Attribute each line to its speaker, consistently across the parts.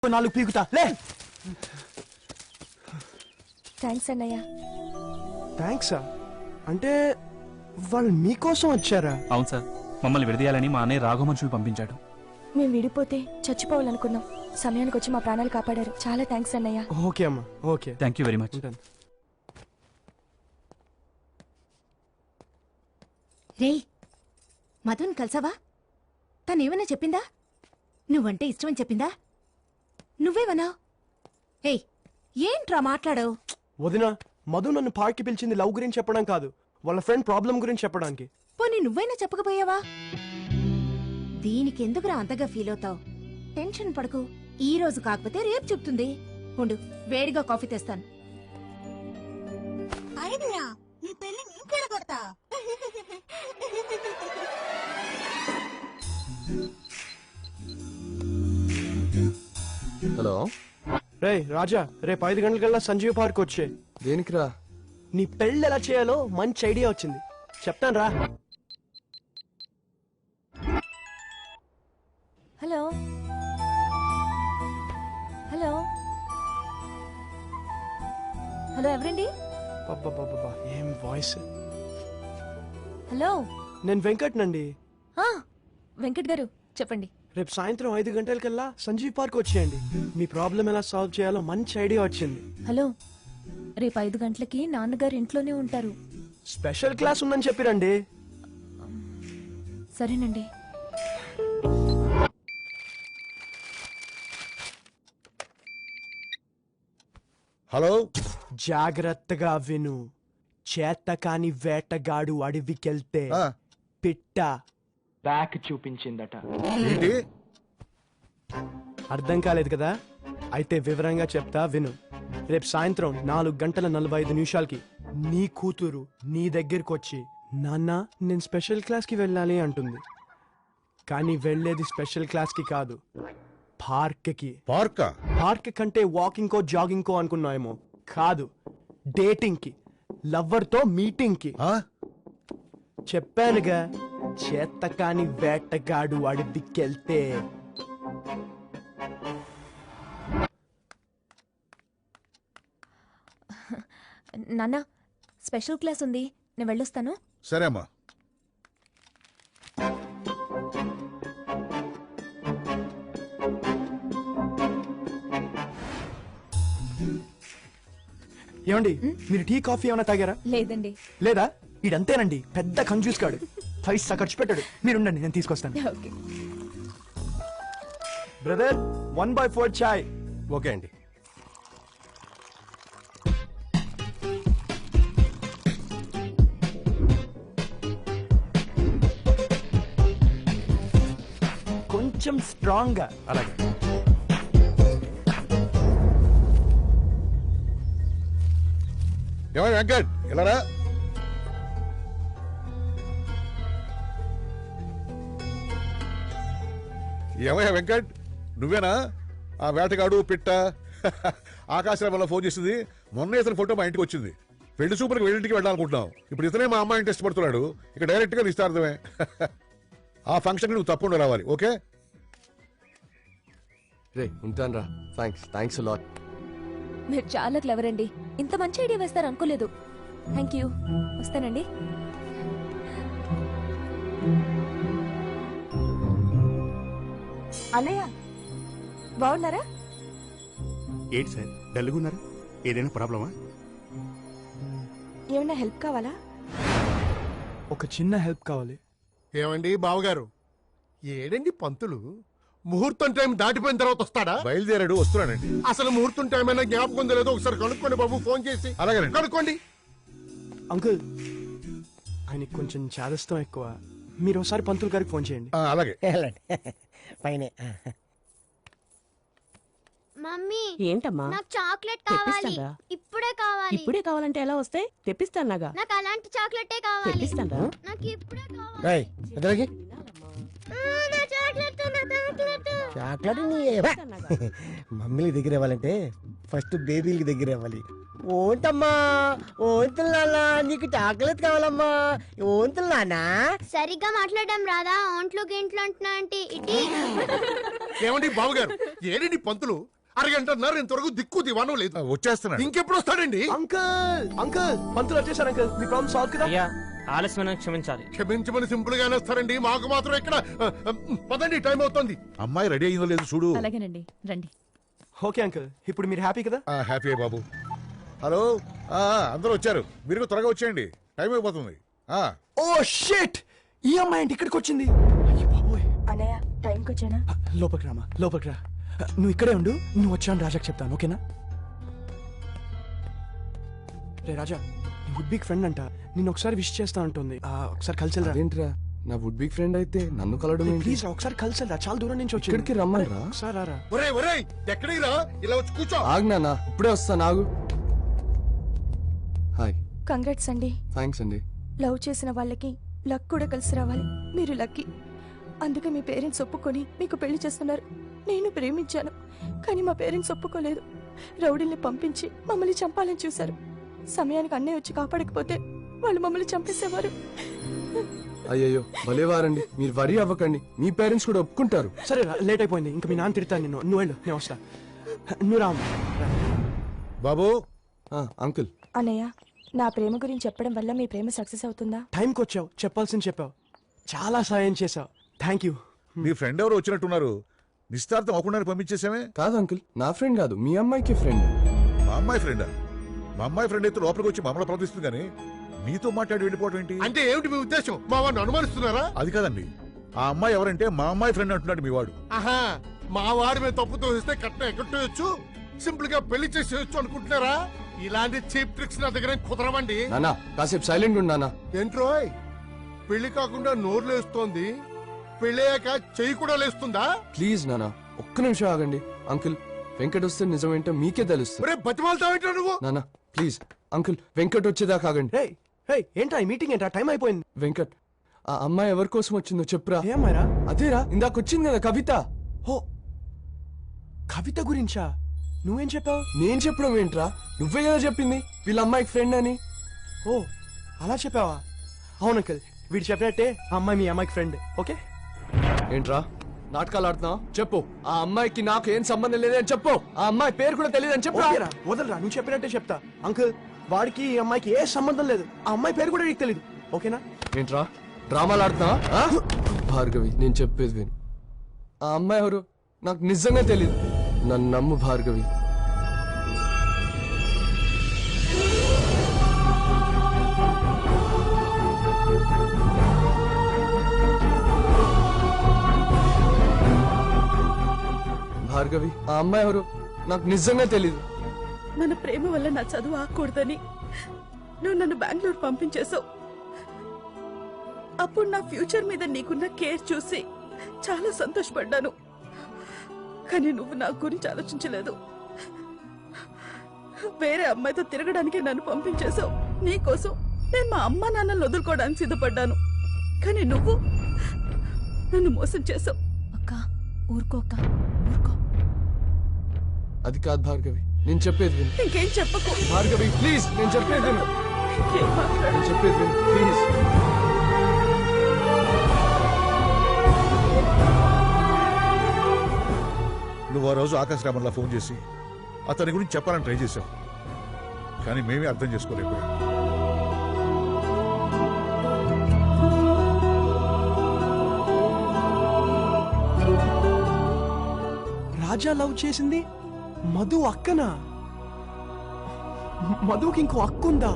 Speaker 1: నాలుగు పీకుతా లే.
Speaker 2: థ్యాంక్స్ అన్నయ్య.
Speaker 1: థ్యాంక్సా? అంటే వాళ్ళు మీకోసం వచ్చారా?
Speaker 3: అవును సార్, మమ్మల్ని విడదీయాలని మా అన్నయ్య రాఘవ మనుషులు పంపించాడు.
Speaker 2: మేము విడిపోతే చచ్చిపోవాలనుకున్నాం. సమయానికి వచ్చి మా ప్రాణాలు కాపాడారు. చాలా థ్యాంక్స్ అన్నయ్య.
Speaker 1: ఓకే అమ్మా, okay.
Speaker 3: Thank you very much.
Speaker 4: రే, మధుని కలిసావా? తనేమైనా చెప్పిందా? నువ్వంటే ఇష్టమని చెప్పిందా? నువ్వేమన్నా? ఏయ్, ఏంట్రా మాట్లాడావు?
Speaker 1: వదినా, మధు నన్ను పార్క్కి పిలిచింది లవ్ గురించి చెప్పడం కాదు, వాళ్ళ ఫ్రెండ్ ప్రాబ్లం గురించి చెప్పడానికి.
Speaker 4: పోనీ నువ్వైనా చెప్పకపోయావా? దీనికెందుకురా అంతగా ఫీల్ అవుతావు? టెన్షన్ పడకు, ఈ రోజు కాకపోతే రేపు చెప్తుంది. ఉండు, వేడిగా కాఫీ తెస్తాను.
Speaker 5: హలో
Speaker 1: రే రాజా, రేపు 5 గంటలకల్లా సంజీవ్ పార్క్ వచ్చే.
Speaker 5: దేనికిరా?
Speaker 1: నీ పెళ్ళి ఎలా చేయాలో మంచి ఐడియా వచ్చింది, చెప్తాను రా.
Speaker 2: హలో హలో హలో, ఎవరండి?
Speaker 1: అబ్బబ్బబ్బబ్బా, ఏం వాయిస్.
Speaker 2: హలో,
Speaker 1: నేను వెంకట్ నండి.
Speaker 2: వెంకట్ గారు చెప్పండి.
Speaker 1: రేపు సాయంత్రం 5 గంటలకల్లా సంజీవ్ పార్క్ వచ్చేయండి. మీ ప్రాబ్లం ఎలా సాల్వ్ చేయాలో మంచి ఐడియా వచ్చింది.
Speaker 2: హలో, రేపు 5 గంటలకి నాన్నగారు ఇంట్లోనే ఉంటారు.
Speaker 1: స్పెషల్ క్లాస్ ఉందని చెప్పిరండి.
Speaker 2: సరేనండి.
Speaker 5: హలో,
Speaker 1: జాగ్రత్తగా విను. చేతకాని వేటగాడు అడవికెళ్తే పిట్ట బ్యాక్ చూపించిందట.
Speaker 5: ఏంటి?
Speaker 1: అర్థం కాలేదు కదా? అయితే వివరంగా చెప్తా విను. రేపు సాయంత్రం 4:45 నీ కూతురు నీ దగ్గరికి వచ్చి, నాన్న నేను స్పెషల్ క్లాస్కి వెళ్ళాలి అంటుంది. కానీ వెళ్ళేది స్పెషల్ క్లాస్కి కాదు, పార్క్కి. పార్క్ కంటే వాకింగ్ కో జాగింగ్ కో అనుకున్నాయేమో. కాదు, డేటింగ్ కి, లవ్వర్ తో మీటింగ్ కి. చెప్పానుగా, చేతకాని వేటగాడు అడవికెళ్తే.
Speaker 2: నాన్న, స్పెషల్ క్లాస్ ఉంది, నేను వెళ్ళొస్తాను.
Speaker 5: సరే అమ్మా.
Speaker 1: ఏమండి, మీరు టీ కాఫీ ఏమైనా తాగారా?
Speaker 2: లేదండి.
Speaker 1: లేదా? ఇడంతేనండి, పెద్ద కంజూస్ కాడు, పైసా ఖర్చు పెట్టాడు. మీరుండండి, నేను తీసుకొస్తాను.
Speaker 2: ఓకే
Speaker 1: బ్రదర్, 1/4 చాయ్.
Speaker 5: ఓకే అండి.
Speaker 1: కొంచెం స్ట్రాంగ్ గా.
Speaker 5: అలాగే. ఏమయ్య వెంకట్, ఇలారా. ఏమయ్య వెంకట్, నువ్వేనా ఆ వేటగాడు పిట్ట? ఆకాశరామలో ఫోన్ చేసింది. మొన్న ఇతని ఫోటో మా ఇంటికి వచ్చింది. పెళ్లి చూపులకు వెళ్ళింటికి వెళ్ళాలనుకుంటున్నాం. ఇప్పుడు ఇతనే మా అమ్మాయిని టెస్ట్ పడుతున్నాడు. ఇక డైరెక్ట్ గా నిస్తార్థమే. ఆ ఫంక్షన్ నువ్వు తప్పకుండా రావాలి. ఓకే?
Speaker 6: రే, ఉంటాను రా. Thanks lot.
Speaker 2: మీరు చాలా క్లవర్ అండి. ఇంత మంచి ఐడియా వేస్తారు అనుకోలేదు. Thank you. వస్తానండి. అన్నయ్య, బాగున్నారా?
Speaker 7: ఏంటి సార్ డల్గున్నారు? ఏదైనా ప్రాబ్లమా?
Speaker 2: ఏమైనా హెల్ప్ కావాలా?
Speaker 1: ఒక చిన్న హెల్ప్ కావాలి.
Speaker 8: ఏమండి బావగారు, ఏడండి పంతులు? ముహూర్తం టైం దాటిపోయిన తర్వాత వస్తాడా?
Speaker 5: బయలుదేరాడు, వస్తున్నానండి.
Speaker 8: అసలు ముహూర్తం టైం అయినా జ్ఞాపకం ఉందో లేదో ఒకసారి కనుక్కోండి బాబు, ఫోన్ చేసి.
Speaker 5: అలాగే
Speaker 8: కనుక్కోండి.
Speaker 1: అంకుల్, ఆయనకి కొంచెం చాదస్తం ఎక్కువ. మీరు ఒకసారి పంతులు గారికి ఫోన్ చేయండి.
Speaker 5: అలాగే.
Speaker 9: పైనే.
Speaker 10: మమ్మీ,
Speaker 11: ఏంటమ్మా?
Speaker 10: నాకు చాక్లెట్ కావాలి. ఇప్పుడే కావాలి.
Speaker 11: ఇప్పుడే కావాలంటే ఎలా వస్తాయి? తెప్పిస్తానుగా.
Speaker 10: నాకు అలాంటి చాక్లెటే కావాలి.
Speaker 11: తెప్పిస్తాను.
Speaker 10: నాకు ఇప్పుడే కావాలి.
Speaker 9: రేయ్, ఎదురుకి.
Speaker 10: నా చాక్లెట్, నా చాక్లెట్.
Speaker 9: చాక్లెట్ నీ మమ్మీలకి దగ్గర ఇవ్వాలంటే ఫస్ట్ బేబీలకి దగ్గర ఇవ్వాలి. ఓంటమ్మా ఓంతులు నాన్న నీకు చాక్లెట్ కావాలమ్మా ఓంతులు నాన్న
Speaker 10: సరిగ్గా మాట్లాడడం రాదా ఒంట్లో గింట్లో అంటున్నా అంటే ఇటీ
Speaker 8: ఏమండి బావగారు ఏడండి పంతులు అరగంటన్నారు ఇంతవరకు దిక్కు దివానం లేదు
Speaker 5: వచ్చేస్తున్నాడు.
Speaker 8: ఇంకెప్పుడు వస్తాడండి?
Speaker 1: అంకుల్ అంకుల్ పంతులు వచ్చేసారు అంకుల్ మీ ప్రాబ్లం సాల్వ్ కదా
Speaker 12: ఆలస్యమైన క్షమించాలి.
Speaker 8: క్షమించమని సింపుల్ గానే వస్తారండి, మాకు మాత్రం ఇక్కడ పదండి, టైం అవుతుంది.
Speaker 5: అమ్మాయి రెడీ అయిందో లేదు చూడు.
Speaker 2: అలాగేనండి రండి.
Speaker 1: ఓకే అంకుల్ ఇప్పుడు మీరు హ్యాపీ కదా?
Speaker 5: హ్యాపీ బాబు. హలో, అందరూ వచ్చారు, మీరు త్వరగా వచ్చేయండి, టైం అయిపోతుంది.
Speaker 1: ఓ షిట్, ఈ అమ్మాయి ఏంటి ఇక్కడికి వచ్చింది? అయ్య బాబోయ్.
Speaker 2: అన్నయ్య టైంకి వచ్చానా?
Speaker 1: లోపలికి రామా, లోపలికి రా. నువ్వు ఇక్కడే ఉండు, నువ్వు వచ్చాను రాజాకి చెప్తాను, ఓకేనా? రే రాజా, నీ వుడ్ బిగ్ ఫ్రెండ్ అంట, నిన్ను ఒకసారి విష్ చేస్తా ఉంటుంది, ఒకసారి కలిసి రా.
Speaker 6: ఏంట్రా నా వుడ్ బిగ్ ఫ్రెండ్ అయితే నన్ను కలవడం ఏంటి?
Speaker 1: ప్లీజ్ రా, ఒకసారి కలిసి రా, చాలా దూరం నుంచి వచ్చి
Speaker 6: ఇక్కడికి రమ్మని రా.
Speaker 1: ఒకసారి రారా.
Speaker 8: ఒరేయ్ ఒరేయ్, ఎక్కడికి రా, ఇలా వచ్చి కూర్చో.
Speaker 6: ఆగ్నా, ఇప్పుడే వస్తాను, ఆగు. హాయ్.
Speaker 2: కంగ్రాట్స్ అండి.
Speaker 6: థ్యాంక్స్ అండి.
Speaker 2: లవ్ చేసిన వాళ్ళకి లక్ కూడా కలిసి రావాలి, మీరు లక్కీ. అందుకే మీ పేరెంట్స్ ఒప్పుకొని మీకు పెళ్లి చేస్తున్నారు. నేను ప్రేమించాను, కానీ మా పేరెంట్స్ ఒప్పుకోలేదు. రౌడీల్ని పంపించి మమ్మల్ని చంపాలని చూశారు. సమయానికి అన్నయ్య వచ్చి కాపాడకపోతే వాళ్ళు మమ్మల్ని చంపేసేవారు.
Speaker 6: అయ్యయ్యో భలేవారండి, మీరు వరి అవ్వకండి, మీ పేరెంట్స్ కూడా ఒప్పుకుంటారు.
Speaker 1: సరే లేట్ అయిపోయింది, ఇంకా మీ నాన్న తిడతాను నిన్ను, నువ్వు వెళ్ళు, నేను వస్తా. నువ్వు రామ్
Speaker 5: బాబు.
Speaker 6: అంకుల్.
Speaker 2: అన్నయ్య, నా ప్రేమ గురించి చెప్పడం వల్ల మీ ప్రేమ సక్సెస్ అవుతుందా?
Speaker 1: టైంకి వచ్చావు, చెప్పాల్సింది చెప్పావు, చాలా సాయం చేసావు, థ్యాంక్ యూ.
Speaker 5: మీ ఫ్రెండ్ ఎవరు వచ్చినట్టున్నారు, నిశ్చార్థం అవ్వకుండా పంపించేసామే.
Speaker 6: కాదు అంకుల్, నా ఫ్రెండ్ కాదు, మీ అమ్మాయికి ఫ్రెండ్.
Speaker 5: మా అమ్మాయి ఫ్రెండా? మా అమ్మాయి ఫ్రెండ్ అయితే లోపలికి వచ్చి మమ్మల్ని ప్రవర్తిస్తుంది, కానీ నీతో మాట్లాడి వెళ్ళిపోవడం ఏంటి?
Speaker 8: అంటే ఏమిటి మీ ఉద్దేశం? మా వాడిని అనుమానిస్తున్నారా?
Speaker 5: అది కాదండి, ఆ అమ్మాయి ఎవరంటే మా అమ్మాయి ఫ్రెండ్ అంటున్నాడు మీ వాడు.
Speaker 8: ఆహా, మా వాడి మీద తప్పుతో ఇస్తే కట్నం ఎక్కట్టేయచ్చు, సింపుల్ గా పెళ్లి చేసేయచ్చు అనుకుంటున్నారా? ఇలాంటి చీప్ ట్రిక్స్ నా దగ్గర కుదరవండి.
Speaker 6: నానా కాసేపు సైలెంట్ ఉండు నానా.
Speaker 8: ఏంట్రోయ్, పెళ్లి కాకుండా నోరు లేస్తోంది, పెళ్ళయ్యాక చెయ్యి కూడా లేస్తుందా?
Speaker 6: ప్లీజ్ నానా ఒక్క నిమిషం ఆగండి. అంకుల్, వెంకట్ వస్తే నిజమేంటో మీకే తెలుస్తుంది.
Speaker 8: బతిమాలతావేంటో నువ్వు.
Speaker 6: నానా ప్లీజ్ అంకుల్, వెంకట్ వచ్చేదాకా ఆగండి.
Speaker 1: ఏంటా ఈ మీటింగ్, ఏంటా టైం అయిపోయింది.
Speaker 6: వెంకట్, ఆ అమ్మాయి ఎవరి కోసం వచ్చిందో చెప్పురా.
Speaker 1: ఏమ్మాయిరా?
Speaker 6: అదేరా ఇందాక వచ్చింది కదా, కవిత.
Speaker 1: ఓ, కవిత గురించా? నువ్వేం చెప్పావు?
Speaker 6: నేను చెప్పడం ఏంట్రా, నువ్వే కదా చెప్పింది వీళ్ళ అమ్మాయికి ఫ్రెండ్ అని.
Speaker 1: ఓ అలా చెప్పావా? అవును అంకుల్, వీడు చెప్పినట్టే ఆ అమ్మాయి మీ అమ్మాయికి ఫ్రెండ్. ఓకే
Speaker 6: ఏంట్రా నాటకాలు ఆడుతున్నావు? చెప్పు, ఆ అమ్మాయికి నాకు ఏం సంబంధం లేదని చెప్పు. ఆ అమ్మాయి పేరు కూడా తెలియదని చెప్పు.
Speaker 1: వదలరా, నువ్వు చెప్పినట్టే చెప్తా. అంకుల్, వాడికి ఈ అమ్మాయికి ఏ సంబంధం లేదు, ఆ అమ్మాయి పేరు కూడా నీకు తెలియదు, ఓకేనా?
Speaker 6: ఏంట్రా డ్రామాలు ఆడుతున్నావా? భార్గవి, నేను చెప్పేది విను. ఆ అమ్మాయి ఎవరు నాకు నిజంగా తెలియదు, నన్ను నమ్ము భార్గవి. భార్గవి, ఆ అమ్మాయి ఎవరు నాకు నిజంగా తెలీదు.
Speaker 11: మన ప్రేమ వల్ల నా చదువు ఆకూడదని నువ్వు నన్ను బెంగళూరు పంపించేశావు. అప్పుడు నా ఫ్యూచర్ మీద నీకున్న కేర్ చూసి చాలా సంతోషపడ్డాను. కానీ నువ్వు నా గురించి ఆలోచించలేదు. వేరే అమ్మాయితో తిరగడానికి నన్ను పంపించేశావు. నీకోసం నేను మా అమ్మ నాన్నలు వదులుకోవడానికి సిద్ధపడ్డాను. కానీ నువ్వు నన్ను మోసం చేసావు.
Speaker 2: అక్క ఊరుకో, అక్క ఊరుకో.
Speaker 6: అది కాదు భార్గవి, నేను చెప్పేది విను.
Speaker 11: ఇంకేం చెప్పకు
Speaker 6: భార్గవి ప్లీజ్, నేను చెప్పేది విను.
Speaker 11: ఇంకేం మాట్లాడు.
Speaker 6: నేను చెప్పేది విను ప్లీజ్.
Speaker 5: నువ్వు ఆ రోజు ఆకాశ రామన్లా ఫోన్ చేసి అతని గురించి చెప్పాలని ట్రై చేశావు, కానీ మేమే అర్థం చేసుకోలేకపోయాం.
Speaker 1: రాజా లవ్ చేసింది మధు అక్కనా? మధుకి ఇంకో అక్కుందా?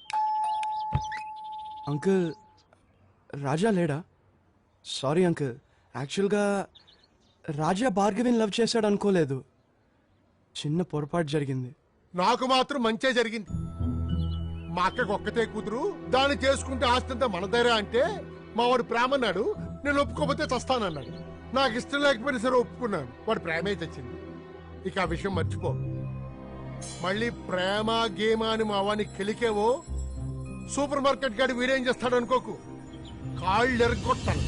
Speaker 1: అంకుల్, రాజా లేడా? సారీ అంకుల్, యాక్చువల్గా రాజా భార్గవిని లవ్ చేశాడు అనుకోలేదు, చిన్న పొరపాటు జరిగింది.
Speaker 8: నాకు మాత్రం మంచే జరిగింది. మా అక్కకు ఒక్కతే కూతురు, దాన్ని చేసుకుంటే ఆస్తంతా మనదైరా అంటే మా వాడు ప్రేమన్నాడు. నేను ఒప్పుకోకపోతే చస్తానన్నాడు. నాకు ఇష్టం లేకపోయినా సరే ఒప్పుకున్నాను. వాడు ప్రేమే తెచ్చింది. ఇక ఆ విషయం మర్చిపో. మళ్ళీ ప్రేమ గేమ అని మా వాడిని కెలికేవో, సూపర్ మార్కెట్ గాడి వీడేం చేస్తాడు అనుకోకు, కాళ్ళు ఎరగొట్టాను.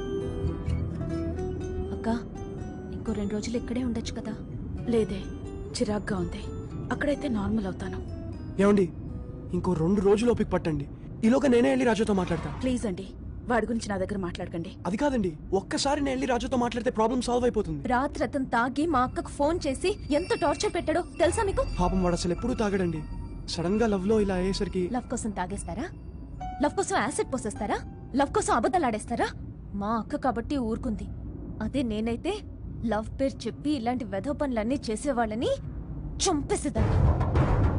Speaker 2: అక్క ఇంకో 2 రోజులు ఇక్కడే ఉండొచ్చు కదా?
Speaker 11: లేదే, చిరాగ్గా ఉంది. అక్కడైతే నార్మల్ అవుతాను.
Speaker 1: ఏమండి ఇంకో 2 రోజులు ఓపిక పట్టండి. ఈలోగా నేనే వెళ్ళి రాజుతో మాట్లాడతా.
Speaker 11: ప్లీజ్ అండి, వాడి గురించి నా దగ్గర మాట్లాడకండి.
Speaker 1: అది కాదండి, ఒక్కసారి నేను వెళ్ళి రాజుతో మాట్లాడితే ప్రాబ్లం సాల్వ్ అయిపోతుంది.
Speaker 4: రాత్రి అతను తాగి మా అక్కకు ఫోన్ చేసి ఎంత టార్చర్ పెట్టాడో తెలుసా మీకు?
Speaker 1: పాపం వాడు అసలు ఎప్పుడూ తాగడండి. సడన్ గా లవ్ లో ఇలా అయ్యేసరికి.
Speaker 4: లవ్ కోసం తాగేస్తారా? లవ్ కోసం యాసిడ్ పోసేస్తారా? లవ్ కోసం అబద్ధాలు ఆడేస్తారా? మా అక్క కాబట్టి ఊరుకుంది. అదే నేనైతే లవ్ పేరు చెప్పి ఇలాంటి వెధవ పనులన్నీ చేసేవాళ్ళని చంపేసేదాన్ని.